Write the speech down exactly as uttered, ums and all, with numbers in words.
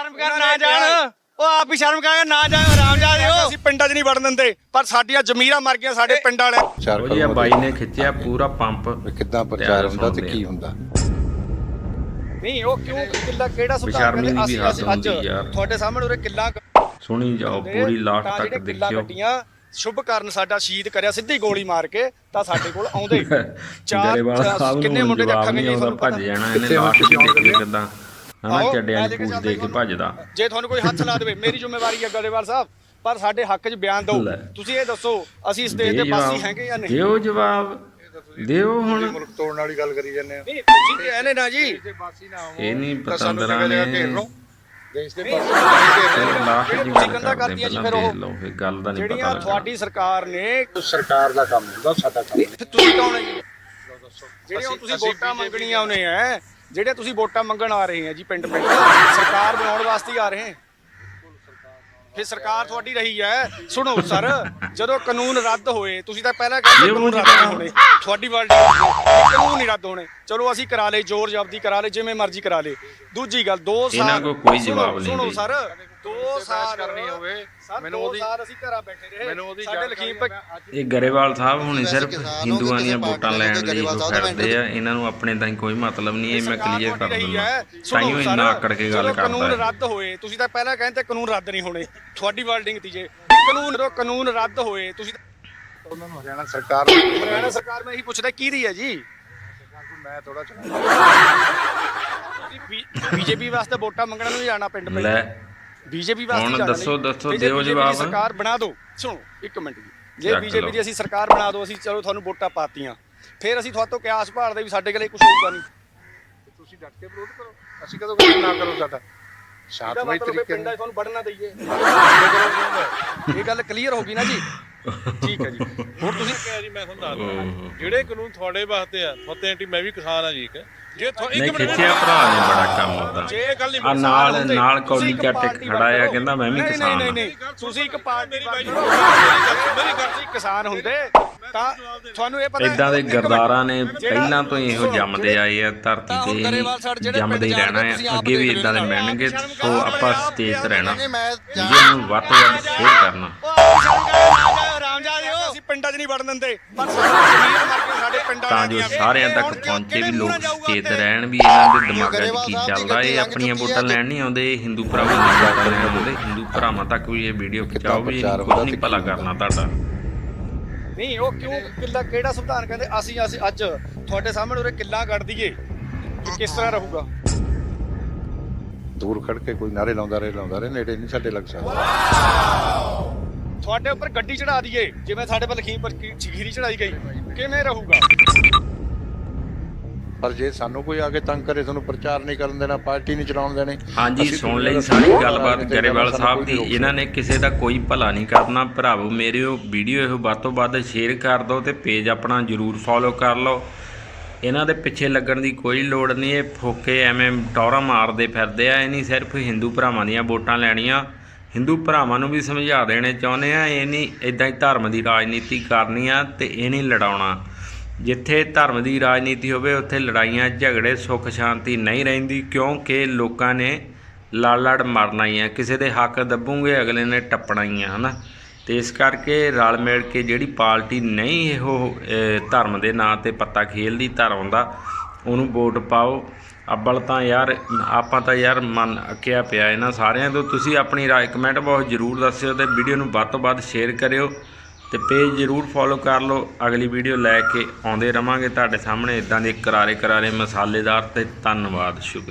ਸ਼ਰਮ ਕਰ ਨਾ ਜਾਣ ਉਹ ਆਪ ਹੀ ਸ਼ਰਮ ਕਰ ਨਾ ਜਾਣ ਆਰਾਮ ਜਾ ਦਿਓ ਅਸੀਂ ਪਿੰਡਾਂ 'ਚ ਨਹੀਂ ਵੜਨ ਦਿੰਦੇ ਪਰ ਸਾਡੀਆਂ ਜ਼ਮੀਰਾਂ ਮਰ ਗਈਆਂ ਸਾਡੇ ਪਿੰਡ ਵਾਲੇ ਉਹ ਜੀ ਬਾਈ ਨੇ ਖਿੱਚਿਆ ਪੂਰਾ ਪੰਪ ਕਿੱਦਾਂ ਪ੍ਰਚਾਰ ਹੁੰਦਾ ਤੇ ਕੀ ਹੁੰਦਾ ਨਹੀਂ ਉਹ ਕਿਉਂ ਕਿੱਲਾ ਕਿਹੜਾ ਸੁਧਾਰ ਬੇਸ਼ਰਮੀ ਕਰਦੇ ਦੀ ਵੀ ਅਸੀਂ ਹੱਦ ਅਸੀਂ ਅੱਜ ਹੁੰਦੀ ਯਾਰ। ਤੁਹਾਡੇ ਸਾਹਮਣੇ ਉਰੇ ਕਿੱਲਾ ਸੁਣੀ ਜਾਓ ਪੂਰੀ ਲਾਸਟ ਤੱਕ ਦੇਖਿਓ ਗੱਡੀਆਂ ਸ਼ੁਭ ਕਰਨ ਸਾਡਾ ਸ਼ਹੀਦ ਕਰਿਆ ਸਿੱਧੀ ਗੋਲੀ ਮਾਰ ਕੇ ਤਾਂ ਸਾਡੇ ਕੋਲ ਆਉਂਦੇ ਗਰੇਵਾਲ ਸਾਹਿਬ ਕਿੰਨੇ ਨੂੰ ਮੁੰਡੇ ਦੇ ਜਵਾਬ ਅੱਖਾਂ ਨਹੀਂ ਨਹੀਂ ਆਉਂਦਾ ਤੁਹਾਨੂੰ ਭੱਜ ਜਾਣਾ ਇਹਨੇ ਲਾਸਟ ਚ ਦੇਖਿਓ ਕਿੱਦਾਂ ਹਨਾ ਚੱਡਿਆਂ ਦੀ ਪੂਛ ਦੇ ਕੇ ਭੱਜਦਾ ਜੇ ਤੁਹਾਨੂੰ ਕੋਈ ਹੱਥ ਲਾ ਦੇਵੇ ਮੇਰੀ ਜ਼ਿੰਮੇਵਾਰੀ ਹੈ ਗਰੇਵਾਲ ਸਾਹਿਬ ਪਰ ਸਾਡੇ ਹੱਕ 'ਚ ਬਿਆਨ ਦਿਓ ਤੁਸੀਂ ਇਹ ਦੱਸੋ ਅਸੀਂ ਇਸ ਦੇਸ਼ ਦੇ ਵਾਸੀ ਹੈਗੇ ਜਾਂ ਨਹੀਂ ਦਿਓ ਜਵਾਬ ਦਿਓ ਹੁਣ ਮੁਲਕ ਤੋੜਨ ਵਾਲੀ ਗੱਲ ਕਰੀ ਜਾਂਦੇ ਆ ਨਹੀਂ ਤੁਸੀਂ ਤੇ ਇਹਨੇ ਨਾ ਜੀ ਇਹ ਨਹੀਂ ਪਤੰਦਰਾਂ ਨੇ ਦੇਸ਼ ਦੇ ਲਾਸਟ ਜੀ ਤੁਸੀਂ ਗੱਲ ਗੰਦਾ ਕਰਦੇ ਕਰਤੀਆਂ ਜੀ ਪਹਿਲਾਂ ਫਿਰ ਉਹ। ਦੇਖ ਲਓ ਇਹ ਗੱਲ ਦਾ ਨਹੀਂ ਪਤਾ ਜਿਹੜੀਆਂ ਲੱਗਦਾ ਤੁਹਾਡੀ ਸਰਕਾਰ ਨੇ ਸਰਕਾਰ ਦਾ ਕੰਮ ਹੁੰਦਾ ਸਾਡਾ ਕੰਮ ਫਿਰ ਤੁਸੀਂ ਕੌਣ ਹੈ ਜੀ ਜਿਹੜੀਆਂ ਹੁਣ ਤੁਸੀਂ ਵੋਟਾਂ ਮੰਗਣੀਆਂ ਉਹਨੇ ਹੈ ਜਿਹੜੇ ਤੁਸੀਂ ਵੋਟਾਂ ਮੰਗਣ ਆ ਰਹੇ ਹੈ ਜੀ ਪਿੰਡ ਪਿੰਡ ਸਰਕਾਰ ਬਣਾਉਣ ਵਾਸਤੇ ਹੀ ਆ ਰਹੇ ਹੈ ਫਿਰ ਸਰਕਾਰ ਤੁਹਾਡੀ ਰਹੀ ਹੈ ਸੁਣੋ ਸਰ ਜਦੋਂ ਕਾਨੂੰਨ ਰੱਦ ਹੋਏ ਤੁਸੀਂ ਤਾਂ ਪਹਿਲਾਂ ਕਹਿੰਦੇ ਕਾਨੂੰਨ ਰੱਦ ਨਹੀਂ ਹੋਣੇ ਤੁਹਾਡੀ ਵਰਲਡ ਕਾਨੂੰਨ ਨਹੀਂ ਰੱਦ ਹੋਣੇ ਚਲੋ ਅਸੀਂ ਕਰਾ ਲਏ ਜ਼ੋਰ ਜ਼ਬਤੀ ਕਰਾ ਲਏ ਜਿਵੇਂ ਮਰਜ਼ੀ ਕਰਾ ਲਏ ਦੂਜੀ ਗੱਲ ਦੋ ਸਾਲ ਇਹਨਾਂ ਕੋਲ ਕੋਈ ਜਵਾਬ ਨਹੀਂ ਸੁਣੋ ਬਈ। ਸਰ ਦੋ ਸਾਲ ਕਰਨੀ ਹੋਵੇ ਮੈਨੂੰ ਉਹਦੀ ਸਾਲ ਅਸੀਂ ਘਰਾਂ ਬੈਠੇ ਰਹੇ ਸਾਡੇ ਲਖੀਮਪੁਰ ਇਹ ਗਰੇਵਾਲ ਸਾਹਿਬ ਹੁਣ ਸਿਰਫ ਹਿੰਦੂਆਂ ਦੀਆਂ ਵੋਟਾਂ ਲੈਣ ਲਈ ਉਹ ਫਿਰਦੇ ਆ ਇਹਨਾਂ ਨੂੰ ਆਪਣੇ ਤਾਈਂ ਕੋਈ ਮਤਲਬ ਨਹੀਂ ਇਹ ਮੈਂ ਕਲੀਅਰ ਕਰ ਦਿੰਦਾ ਤਾਈਓ ਇੰਨਾ ਆਕੜ ਕੇ ਗੱਲ ਕਾਨੂੰਨ ਕਰਦਾ ਰੱਦ ਹੋਏ ਤੁਸੀਂ ਤਾਂ ਪਹਿਲਾਂ ਕਹਿੰਦੇ ਕਾਨੂੰਨ ਰੱਦ ਨਹੀਂ ਹੋਣੇ ਤੁਹਾਡੀ ਵਰਡਿੰਗ ਤੀ ਜੇ ਕਾਨੂੰਨ ਜਦੋਂ ਕਾਨੂੰਨ ਰੱਦ ਹੋਏ ਤੁਸੀਂ ਉਹਨਾਂ ਨੂੰ ਹਰਿਆਣਾ ਸਰਕਾਰ ਹਰਿਆਣਾ ਸਰਕਾਰ ਮੈਂ ਇਹੀ ਪੁੱਛਦਾ ਕਿਹਦੀ ਹੈ ਜੀ ਮੈਂ ਥੋੜਾ ਬੀਜੇਪੀ ਵਾਸਤੇ ਵੋਟਾਂ ਮੰਗਣ ਨੂੰ ਵੀ ਜਾਣਾ ਪਿੰਡ ਪਿੰਡ ਲੈ ਬੀਜੇਪੀ ਵਾਸਤੇ ਹੁਣ ਜਾਣਾ ਦੱਸੋ- ਨਹੀਂ। ਦੱਸੋ, ਤੇ ਜੇ ਦਿਓ BJP ਦੀ ਜਵਾਬ। ਸਰਕਾਰ ਬਣਾ ਦਿਓ ਸੁਣੋ ਇੱਕ ਮਿੰਟ ਜੀ ਜੇ ਚੱਕ ਬੀਜੇਪੀ ਲਓ। ਦੀ ਅਸੀਂ ਸਰਕਾਰ ਬਣਾ ਦਿਓ ਅਸੀਂ ਚਲੋ ਤੁਹਾਨੂੰ ਵੋਟਾਂ ਪਾਤੀਆਂ ਫਿਰ ਅਸੀਂ ਤੁਹਾਡੇ ਤੋਂ ਕਿਆ ਆਸ ਭਾਲਦੇ ਵੀ ਸਾਡੇ ਕੋਲੇ ਕੁਝ ਹੋਊਗਾ ਨਹੀਂ ਤੁਸੀਂ ਡਟ ਕੇ ਵਿਰੋਧ ਕਰੋ ਅਸੀਂ ਕਦੋਂ ਕੁਝ ਨਾ ਕਰੋ ਸਾਡਾ ਇਹਦਾ ਸ਼ਾਂਤਮਈ ਮਤਲਬ ਇਹ ਤਰੀਕੇ ਪਿੰਡਾਂ 'ਚ ਨਾਲ ਤੁਹਾਨੂੰ ਵੜਨਾ ਦਈਏ ਇਹ ਗੱਲ ਕਲੀਅਰ ਹੋ ਗਈ ਨਾ ਜੀ ਠੀਕ ਹੈ ਜੀ ਹੁਣ ਤੁਸੀਂ ਕਿਹਾ ਜੀ ਮੈਂ ਤੁਹਾਨੂੰ ਦੱਸਦਾ ਜਿਹੜੇ ਕਾਨੂੰਨ ਤੁਹਾਡੇ ਵਾਸਤੇ ਆ ਫਤਿਹ ਆਂਟੀ ਮੈਂ ਵੀ ਕਿਸਾਨ ਆ ਜੀ ਇੱਕ ਜੇ ਤੁਹਾ- ਨਹੀਂ ਇੱਕ ਮਿੰਟ ਖਿੱਚਿਆ ਭਰਾ ਨੇ ਬੜਾ ਕੰਮ ਹੁੰਦਾ ਜੇ ਇਹ ਗੱਲ ਨਹੀਂ ਆ ਨਾਲ ਹੁੰਦੇ, ਨਾਲ ਤੁਸੀਂ ਕੌਲੀ ਇੱਕ ਚੱਟ ਪਾਰਟੀ ਖੜਾ ਆ ਵੱਲ ਕਹਿੰਦਾ ਮੈਂ ਵੀ ਨਹੀਂ, ਕਿਸਾਨ ਨਹੀਂ ਆ ਨਹੀਂ ਨਹੀਂ ਤੁਸੀਂ ਇੱਕ ਪਾਰਟੀ ਮੇਰੀ ਬਾਈ ਵੱਲ ਮੇਰੀ ਗੱਲ ਤੁਸੀਂ ਕਿਸਾਨ ਹੁੰਦੇ ਤਾਂ ਤੁਹਾਨੂੰ ਇਹ ਪਤਾ ਇਦਾਂ ਦੇ ਇੱਕ ਮਿੰਟ, ਗਰਦਾਰਾਂ ਨੇ ਜਿਹੜਾ- ਪਹਿਲਾਂ ਤੋਂ ਹੀ ਇਹੋ ਸੁਣੋ, ਜੰਮਦੇ ਆਏ ਆ ਤਾਂ ਧਰਤੀ ਹੁਣ ਤੇ ਗਰੇਵਾਲ ਸਰ ਜਿਹੜੇ ਜੰਮਦੇ ਹੀ ਪਿੰਡ ਰਹਿਣਾ ਜਾਣਗੇ, ਤੁਸੀਂ ਆ ਆਪ ਅੱਗੇ ਵੀ ਦੇਖ ਇਦਾਂ ਦੇ ਲੈਣਾ। ਮਿਲਣਗੇ ਸ਼ਰਮ ਸੋ ਕਰੋ, ਆਪਾਂ ਆਪ ਸਟੇਜ ਤੇ ਰਹਿਣਾ ਮੈਂ ਵੀਡੀਓ ਨੂੰ ਵੱਧ ਤੋਂ ਵੱਧ ਸ਼ੇਅਰ ਕਰਨਾ ਆਰਾਮ ਜਾ ਦਿਓ ਅਸੀਂ ਪਿੰਡਾਂ 'ਚ ਨਹੀਂ ਵੜਨ ਦਿੰਦੇ ਪਰ ਸਾਡੀ ਜ਼ਮੀਰਾਂ ਮਰ ਗਈਆਂ ਸਾਡੇ ਪਿੰਡਾਂ ਤਾਂ ਜੋ ਸਾਰਿਆਂ ਤੱਕ ਪਹੁੰਚੇ ਵੀ ਲੋਕ ਸਚੇਤ ਰਹਿਣ ਵੀ ਇਹਨਾਂ ਦੇ ਦਿਮਾਗਾਂ 'ਚ ਕੀ ਚੱਲਦਾ ਇਹ ਆਪਣੀਆਂ ਵੋਟਾਂ ਲੈਣ ਨਹੀਂ ਆਉਂਦੇ ਇਹ ਹਿੰਦੂ ਭਰਾਵਾਂ ਦੀਆਂ ਵੋਟਾਂ ਲੈਣ ਆਉਂਦੇ ਹਿੰਦੂ ਭਰਾਵਾਂ ਤੱਕ ਵੀ ਇਹ ਵੀਡੀਓ ਪਹੁੰਚਾਓ ਵੀ ਇਹਨੂੰ ਕੁਝ ਨਹੀਂ ਭਲਾ ਕਰਨਾ ਤੁਹਾਡਾ ਨਹੀਂ ਉਹ ਕਿਉਂ ਕਿੱਲਾ ਕਿਹੜਾ ਸੰਵਿਧਾਨ ਕਹਿੰਦੇ ਅਸੀਂ ਅਸੀਂ ਅੱਜ ਤੁਹਾਡੇ ਸਾਹਮਣੇ ਉਰੇ ਕਿੱਲਾ ਕੱਢ ਦਈਏ ਕਿ ਕਿਸ ਤਰ੍ਹਾਂ ਰਹੂਗਾ ਦੂਰ ਖੜ ਕੇ ਕੋਈ ਨਾਰੇ ਲਾਉਂਦਾ ਰਹੇ ਲਾਉਂਦਾ ਰਹੇ ਨੇੜੇ ਨਹੀਂ ਸਾਡੇ ਲੱਗ ਸਕਦਾ ਤੁਹਾਡੇ ਉੱਪਰ ਗੱਡੀ ਚੜਾ ਦਈਏ ਜਿਵੇਂ ਸਾਡੇ ਪਰ ਲਖੀਮਪੁਰ ਖੀਰੀ ਚੜਾਈ ਗਈ ਕਿਵੇਂ ਰਹੂਗਾ ਪਰ ਜੇ ਸਾਨੂੰ ਕੋਈ ਆ ਕੇ ਤੰਗ ਕਰੇ ਤੁਹਾਨੂੰ ਪ੍ਰਚਾਰ ਨਹੀਂ ਕਰਨ ਦੇਣਾ ਪਾਰਟੀ ਨਹੀਂ ਚਲਾਉਣ ਦੇਣੀ ਹਾਂਜੀ ਅਸੀਂ ਸੁਣ ਤਾਂ ਲਈ ਸਾਰੀ ਗੱਲਬਾਤ ਰਾਜਨੀਤਿਕ ਗਰੇਵਾਲ ਸਾਨੂੰ ਸਾਹਿਬ ਕੋਈ ਦੀ ਨਹੀਂ ਰੋਕ ਇਹਨਾਂ ਨੇ ਕਿਸੇ ਦਾ ਕੋਈ ਭਲਾ ਨਹੀਂ ਕਰਨਾ ਭਰਾਵੋ ਮੇਰੇ ਉਹ ਵੀਡੀਓ ਇਹ ਵੱਧ ਤੋਂ ਵੱਧ ਸ਼ੇਅਰ ਕਰ ਦਿਓ ਤੇ ਪੇਜ ਆਪਣਾ ਜਰੂਰ ਫੋਲੋ ਕਰ ਲਓ ਇਹਨਾਂ ਦੇ ਪਿੱਛੇ ਲੱਗਣ ਦੀ ਕੋਈ ਲੋੜ ਨਹੀਂ ਇਹ ਫੋਕੇ ਐਵੇਂ ਟੌਰਾ ਮਾਰਦੇ ਫਿਰਦੇ ਆ ਇਹ ਨਹੀਂ ਸਿਰਫ ਹਿੰਦੂ ਭਰਾਵਾਂ ਦੀਆਂ ਵੋਟਾਂ ਲੈਣੀਆਂ ਹਿੰਦੂ ਭਰਾਵਾਂ ਨੂੰ ਵੀ ਸਮਝਾ ਦੇਣੇ ਚਾਹੁੰਦੇ ਆ ਇਹ ਨਹੀਂ ਇਦਾਂ ਹੀ ਧਰਮ ਦੀ ਰਾਜਨੀਤੀ ਕਰਨੀ ਆ ਤੇ ਇਹ ਨਹੀਂ ਲੜਾਉਣਾ ਜਿੱਥੇ ਧਰਮ ਦੀ ਰਾਜਨੀਤੀ ਹੋਵੇ ਉੱਥੇ ਲੜਾਈਆਂ ਝਗੜੇ ਸੁੱਖ ਸ਼ਾਂਤੀ ਨਹੀਂ ਰਹਿੰਦੀ ਕਿਉਂਕਿ ਲੋਕਾਂ ਨੇ ਲੜ ਲੜ ਮਰਨਾ ਹੀ ਆ ਕਿਸੇ ਦੇ ਹੱਕ ਦੱਬੂਗੇ ਅਗਲੇ ਨੇ ਟੱਪਣਾ ਹੀ ਆ ਹੈ ਨਾ ਤੇ ਇਸ ਕਰਕੇ ਰਲ ਮਿਲ ਕੇ ਜਿਹੜੀ ਪਾਰਟੀ ਨਹੀਂ ਇਹੋ ਧਰਮ ਦੇ ਨਾਂ 'ਤੇ ਪੱਤਾ ਖੇਲਦੀ ਧਰਮ ਦਾ ਉਹਨੂੰ ਵੋਟ ਪਾਓ ਅੱਬਲ ਤਾਂ ਯਾਰ ਆਪਾਂ ਤਾਂ ਯਾਰ ਮਨ ਅੱਕਿਆ ਪਿਆ ਇਹਨਾਂ ਸਾਰਿਆਂ ਤੋਂ ਤੁਸੀਂ ਆਪਣੀ ਰਾਏ ਕਮੈਂਟ ਬਹੁਤ ਜ਼ਰੂਰ ਦੱਸਿਓ ਤੇ ਵੀਡੀਓ ਨੂੰ ਵੱਧ ਤੋਂ ਵੱਧ ਸ਼ੇਅਰ ਕਰਿਓ ਤੇ ਪੇਜ ਜ਼ਰੂਰ ਫੋਲੋ ਕਰ ਲਓ ਅਗਲੀ ਵੀਡੀਓ ਲੈ ਕੇ ਆਉਂਦੇ ਰਵਾਂਗੇ ਤੁਹਾਡੇ ਸਾਹਮਣੇ ਇਦਾਂ ਦੇ ਕਰਾਰੇ ਕਰਾਰੇ ਮਸਾਲੇਦਾਰ ਤੇ ਧੰਨਵਾਦ ਸ਼ੁਕਰੀਆ।